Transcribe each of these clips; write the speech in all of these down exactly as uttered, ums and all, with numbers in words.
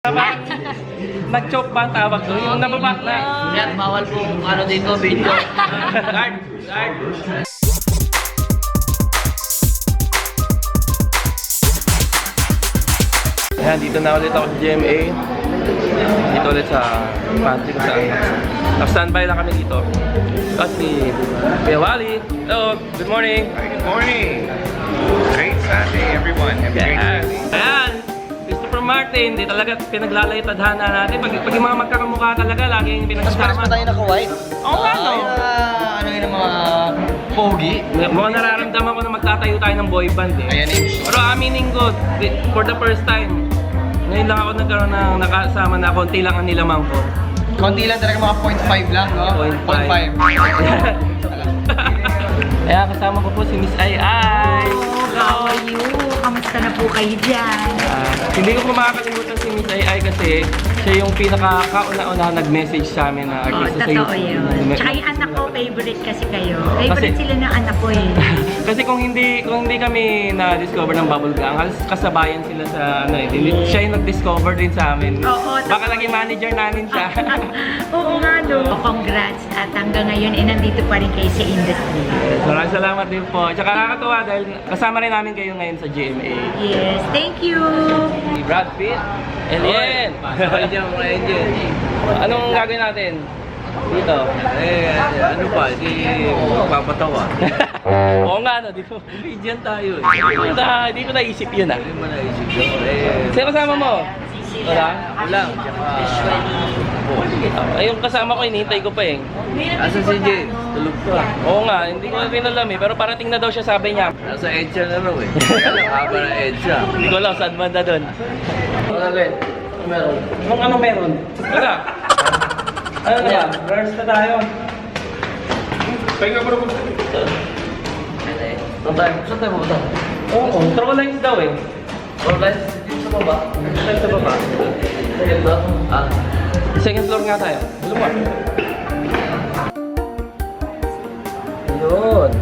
Tama. Nag-choke ba ang tawag doon? Yung nababa na. Yan, bawal po ano dito, video. Guard, guard. Ayan, dito na ulit ako sa G M A. Dito ulit sa pantry ko saan. Naka-standby lang kami dito. Kasi, Kuya Wally. Hello, good morning. Hi, good morning. Great Sunday, everyone. Have a great Yes. Sunday. Ayan, Christopher Martin. Di talaga pinaglalay tadhana natin. Pag, pag yung mga magkakamukha talaga, laging Mas pares pinagsama. pa tayo naka-white. Oo nga, no? Ay, ah, ano yun ang mga pogi. Mukhang nararamdaman ko na magtatayo tayo ng boy band eh. Ayan eh. Pero aminin ko, di- for the first time, ngayon lang ako nagkaroon ng nakasama na konti lang ang nilamang ko. Konti lang talaga, mga point five lang, no? Point five. Kaya kasama ko po si Miss Ai Ai. How are you? Kamusta na po kayo dyan? Ah, hindi ko po makakalimutan si Miss Ai Ai kasi siya yung pinaka-kauna-una nag-message sa amin na Oo, artista sa totoo YouTube. yun. Tsaka yung anak ko, favorite kasi kayo. Favorite Kasi- sila ng anak ko eh. Kasi kung hindi kung hindi kami na-discover ng Bubble Gang, halos kasabayan sila sa ano eh. Hindi- Siya yung nag-discover din sa amin. Oo, Baka totoo. naging manager namin siya. Oo nga no. Congrats at hanggang ngayon eh nandito pa rin kayo sa industry. Maraming salamat din po. Tsaka nakakatuwa dahil kasama rin namin kayo ngayon sa G M A. Yes, thank you! Si Brad Pitt, Alien. Anong gagawin natin? Dito. Eh, ano pa, hindi magpapatawa. Oo nga, no, di po. Comedian tayo eh. Hindi ko na, hindi ko naisip yun ah. Hindi mo naisip yun. Eh, Sino kasama mo? Wala? wala. Tsaka, Ay, yung kasama ko, hinihintay ko pa eh. asa si Jay? Tulog pa. Oo nga, hindi ko rin alam eh. Pero parating na daw siya, sabi niya. Nasa EDSA na raw eh. Kaya lang, haba na EDSA. Hindi ko alam saan banda doon. Ano ulit? Meron. Kung ano meron? Wala. Ano na ba? Rehearse na tayo. Pahinga pa rin ko. Saan tayo? Saan tayo pupunta? Oo, throw lines daw eh. Or live dito sa baba? Live sa baba. Second ba? Ah. Second floor nga tayo. Alam mo. Yun.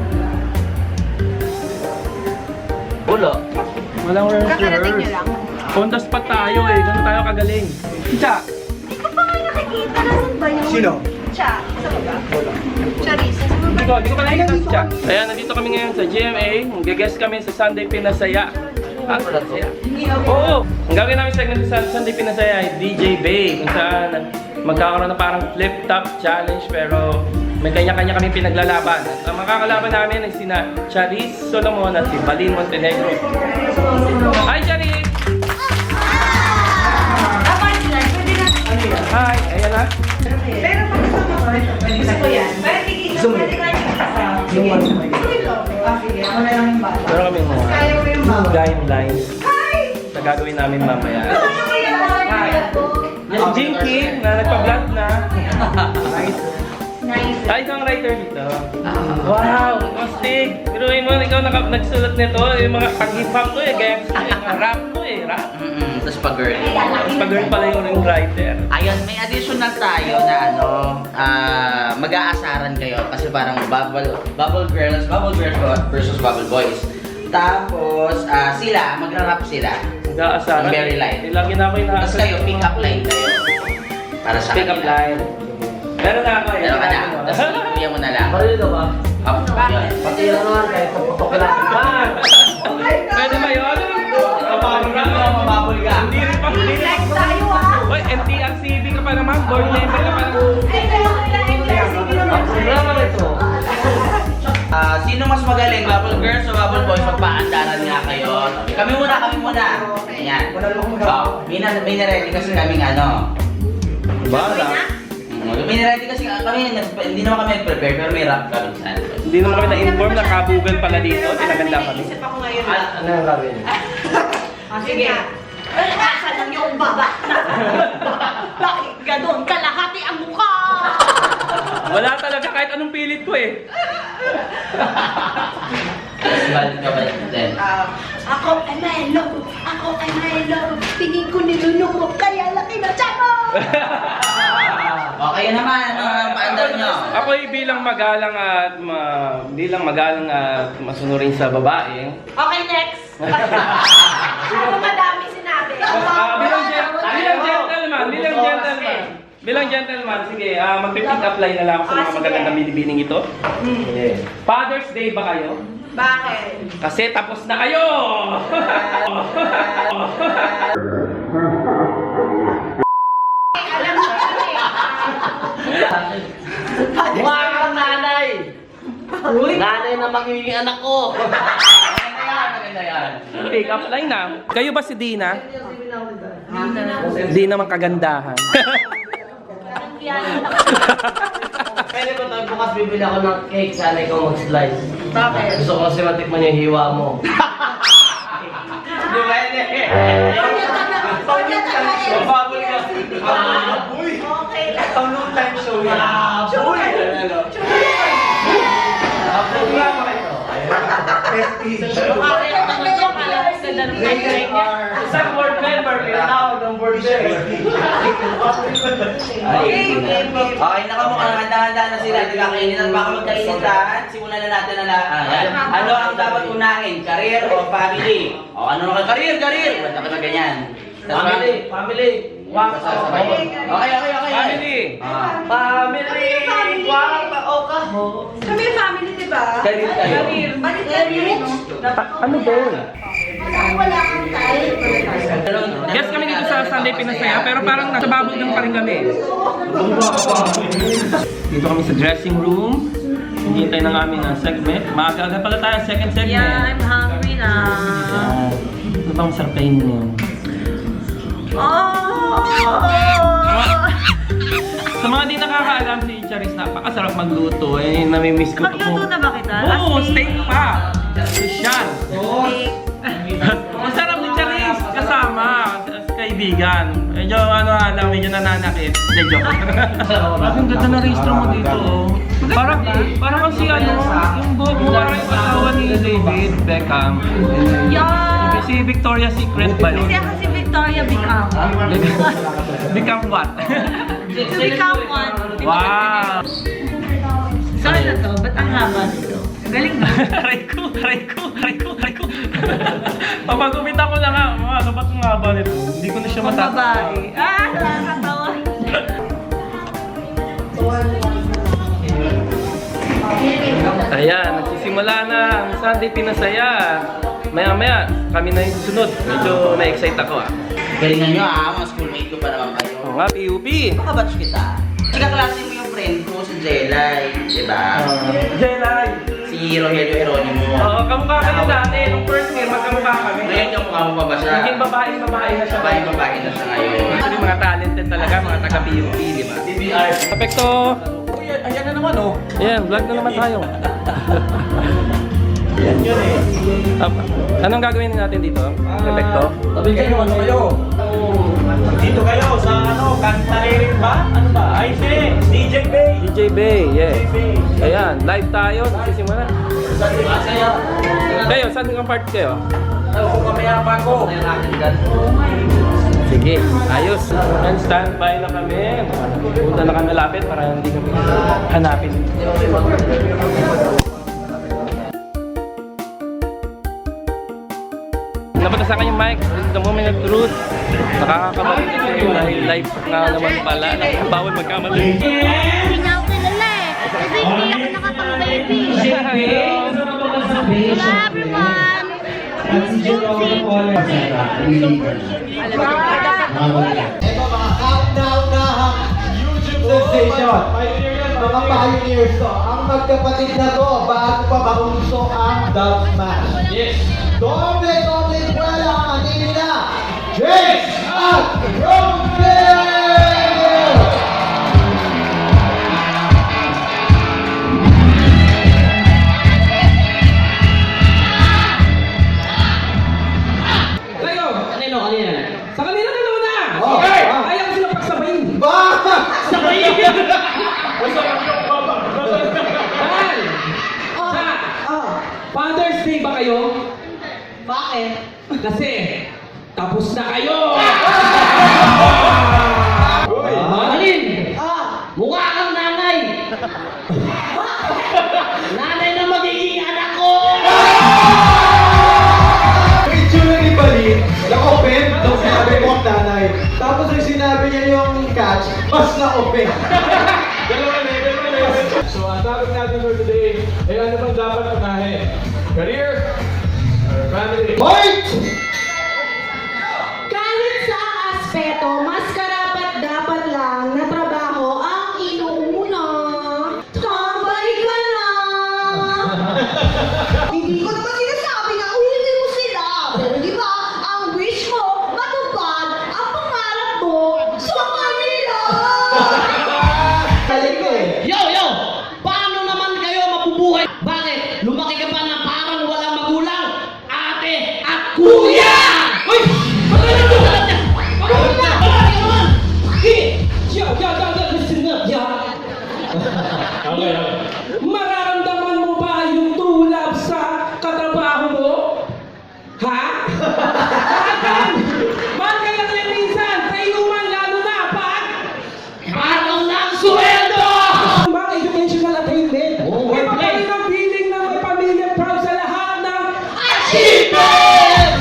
Wala. Walang rehearse. On the spot tayo eh. Ganun tayo kagaling. Cha! Hindi ko pa nga nakikita. Nasaan ba yun? Sino? Cha, sa baba? Wala. Charissa, sa baba? Hindi ko, hindi ko pa nakikita si Cha. Ayan, nandito kami ngayon sa G M A. Mag-guest kami sa Sunday Pinasaya. Ah, Pinasaya? Oo! Ang gagawin namin segment sa Sunday Pinasaya ay D J Bay. Kung saan magkakaroon na parang flip-top challenge pero may kanya-kanya kami pinaglalaban. At ang makakalaban namin ay sina Charis Solomon at si Balin Montenegro. Hi, Charis! Hi! Ayan na. Pero pag kasama ko, gusto ko yan. Pero tigil ko, pwede ka yung kasama. Sige. Ah, sige. Ako na lang yung bata. Meron kami mga Kaya ko yung bata. guidelines Hi! na gagawin namin mamaya. Gusto ko yan. Yung Jinky na nagpa-vlog na. Nice. Ay, isang writer dito. Wow! Astig! Biruin mo, ikaw naka, nagsulat nito. Yung mga pag-hip hop to eh. Kaya yung rap to eh. Rap. Mm-mm. Tapos pag-girl. Tapos pag-girl pala yung ring writer. Ayun, may additional tayo na ano, ah, mag-aasaran kayo kasi parang bubble, bubble girls, bubble girls versus bubble boys. Tapos, ah, sila, magra-rap sila. Nag-aasaran. Very light. Lagi na ako yung Tapos kayo, pick up line kayo. Para sa Pick up kanila. line. Meron na ako eh. Meron ka na. Tapos ikuya mo na lang. Marino ba? Up, yun. Pati na naman kahit paputok ka lang. Pwede ba yun? Mababol ka, mababol ka. Hindi rin pa. Relax tayo ah. Uy, M T R C B ka pa naman. Board member ka pa naman. Ay, kaya ko lang yung recipe naman. Programa ito. Ah, sino mas magaling? Bubble girls o bubble boys? Magpaandaran nga kayo. Kami muna, kami muna. Ayan. Oh, may, na, may na-ready kasi kaming ano. Bala. Mm, May na-ready kasi kami, nag- hindi naman kami nag-prepare, pero may rap kami sa ano. Hindi naman kami na-inform na kabugan pala dito. Tinaganda kami. Isip ako ngayon. Ano yung gagawin? Ah, sige. Asan ang iyong baba? Bakit ganon? Kalahati ang mukha! Wala talaga kahit anong pilit ko eh. Mas balik ka ba din? Ah, ako ay Milo! Ako ay Milo! Tingin ko nilunok mo, kaya laki na tiyan mo! Okay naman, ano ang paandar nyo? Ako'y bilang magalang at ma, bilang magalang at masunurin sa babae. Okay, next! Ano madami sinabi? Ah, bilang gen- bilang gen- Bilang gentleman, sige, ah mag-pick up line na lang ako sa mga magagandang binibining ito. Father's Day ba kayo? Bakit? Kasi tapos na kayo! Alam mo kasi, Mukha kang nanay! Nanay na magiging anak ko! Maganda yan, maganda yan. Pick up line na. Kayo ba si Dina? Di naman kagandahan. Pwede ba tayo bukas bibili ako ng cake, sana ikaw mag-slice? Bakit? Gusto ko kasi matikman yung hiwa mo. Di ba yun eh? Mababol ka. Apoy! Okay lang. Ang time show yan. Apoy! Apoy nga ba ito? Isang board member, pinatawag ng board member. Okay, nakamukha na handa-handa na sila. Di kakainin at baka magkainitan. Simulan na natin na lang. Ano ang dapat unahin? Career o family? O ano na ka? Career, career! Ba't ako na ganyan? Family, family. Wow. Okay, okay, okay. Family. Ah. Family. Guwapa o kaho. Kami yung family, di ba? Career tayo. Career. Bakit career, no? Ano ba yun? Wala kang tayo. Guest kami dito sa Sunday Pinasaya, pero parang nasa babog lang pa rin kami. Dito kami sa dressing room. Hinihintay ng aming uh, segment. Maaga-aga pala tayo, second segment. Yeah, I'm hungry na. Yan. Ano bang sarap kainin yun? Oh! Sa mga di nakakaalam, si Charis napakasarap magluto. Eh, namimiss ko. Magluto na ba kita? Oo, As in- steak pa. Sosyal. Steak. Masarap ni Charis kasama as kaibigan. Medyo ano alam, medyo nananakit. Hindi, joke. Ang ganda na registro mo dito. Oh. Parang, parang kasi ano, yung buhok mo parang yung asawa ni David Beckham. Yeah! Si Victoria's Secret ba yun? Kasi ako si Victoria Beckham. Beckham what? To become one. Wow! So ano to? Ba't ang haba nito? Galing na. Aray ko, aray ko, aray ko, aray ko. Papagumita ko na nga, mga ano ba't ang haba nito? Hindi ko na siya Pang matatawa. babae. Ah, nakakatawa. Ayan, nagsisimula na ang Sunday Pinasaya. Maya-maya, kami na yung susunod. Medyo na-excite ako ah. Galingan nyo ah, mga schoolmate ko pa naman kayo. Oo nga, P U P. Makabatch kita. Ikaklase mo yung friend ko, si Jelay, di ba? Jelay. Si Rogelio Heronimo. Oo, kamukha kayo dati. Nung first year, magkamukha kami. Ngayon yung mukha mo pa ba siya? Naging babae-babae na siya. Babae-babae na siya ngayon. Actually, mga talented talaga, mga taga-P U P, di ba? D B R. Apekto. Ayan na naman oh. Ayan, vlog na naman tayo. Yan yun eh. Anong gagawin natin dito? Apekto? Sabi kayo, ano kayo? Dito kayo sa ano, kanta ba? Ano ba? Ay, si D J Bay. D J Bay, yes. Ayan, live tayo. Nagsisimula. Masaya. Kayo, saan ang part kayo? Ako kamaya pa ko. Sige, ayos. And standby na kami. Punta na kami lapit para hindi kami hanapin. Nabatasan ka yung mic. This is the moment of truth. Nakakabalik kasi dahil live na naman pala. Bawal magkamali. Hindi niya ako kilala eh. Kasi hindi ako nakapag-baby. Hello everyone! This is Juicy. Ito mga countdown na YouTube sensation. Mga pioneers to. Ang magkapatid na to, bago pa maunso ang Dub Smash. Yes. Doble, doble eskwela ang ating nila. James at Romeo! Kanino, kanina? Sa kanina na naman na! Oh, Okay! ah. Ayaw ko sila pagsabayin! Ba! Sabayin! Mahal! Sa Father's Day ba kayo? Bakit? Kasi tapos na kayo! Mahalin! Mukha kang nanay! Nanay na magiging anak ko! Yung itsura ni Balin, na-open nung sinabi ko ang nanay. Tapos kasi sinabi niya yung catch, mas na-open. Dalawa level, dalawa level. So, ang topic natin for today, ay ano bang dapat unahin? Career or family? Point! Kahit sa aspeto, mas karapat dapat lang na trabaho ang inuuna. Tambay ka na! Hindi ko naman sinasabi na ulitin mo sila. Pero di ba, ang wish mo, matupad ang pangarap mo sa kanila. Galing ko eh. Yo, yo! Paano naman kayo mabubuhay? Bakit? Lumaki ka pa na parang walang magulang? Ate at kuya! Uy! Magalang mo ka lang yan! Magalang na! Magalang naman! Eh! Yo, yo, yo, yo, listen up, yo! Okay, okay. Mararamdaman mo ba yung tulab sa katrabaho mo? Ha? Bakit? Bakit lang yan minsan? Sa inuman lalo na pag Parang ng sweldo! mga educational attainment. Oo, May okay. pagkain ng feeling na may pamilya proud sa lahat ng Achievement!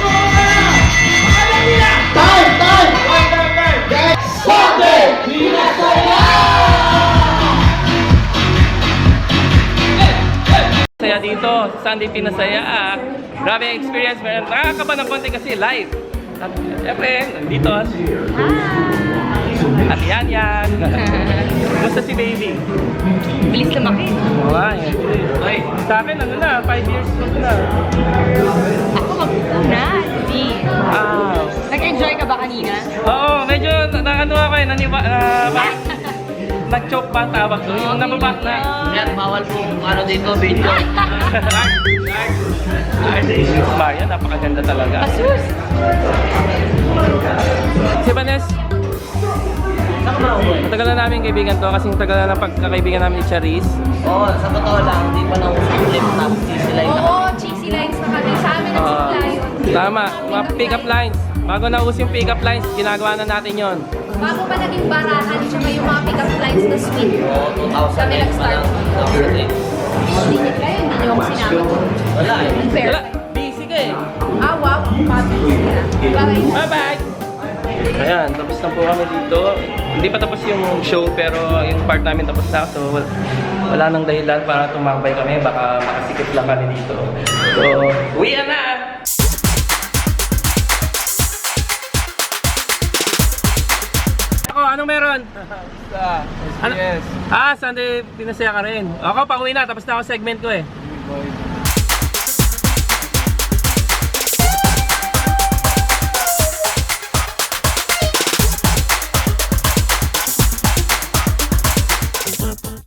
alam nila! Time! Time! Time, time, time! Next Sunday! Saya dito, Sunday Pinasaya. Ah, grabe ang experience. Meron nakakaba ng konti kasi live. At syempre, nandito. At yan yan. Kumusta si baby? Bilis lumaki. Oo nga eh. Ay, sa akin ano na, five years old na. Ako mag-una, hindi. Ah. Nag-enjoy ka ba kanina? Oo, medyo na, na ano ako eh, naniwa, uh, nag-choke ba ang tawag doon? Yung nababa na. Yan, bawal po ano dito, video. Maria, napakaganda talaga. Asus! Si Vanes, matagal na namin kaibigan to kasi tagal na ng pagkakaibigan namin ni Charis. Oo, sa totoo lang, hindi pa nang usap clip tapos sisilay na. Oo, cheesy lines na kami. Sa amin ang Ah, simula yun. tama, mga pick-up lines. Bago nauso yung pick-up lines, ginagawa na natin yon. Bago pa naging barahan, tsaka yung mga pick-up lines na sweet. Oo, two thousand Kami eight pa nag-start. lang. two thousand eight. Hindi niyo kayo, hindi niyo ako sinama. Wala eh. Unfair. Wala, busy ka eh. Ah, wow. Pabilis ka. Bye. Bye-bye! Ayan, tapos na po kami dito. Hindi pa tapos yung show pero yung part namin tapos na. So wala, wala nang dahilan para tumambay kami. Baka makasikip lang kami dito. So, uwi na! Ako, anong meron? Ano? Ah, Sunday Pinasaya ka rin. Ako, pauwi na. Tapos na ako segment ko eh.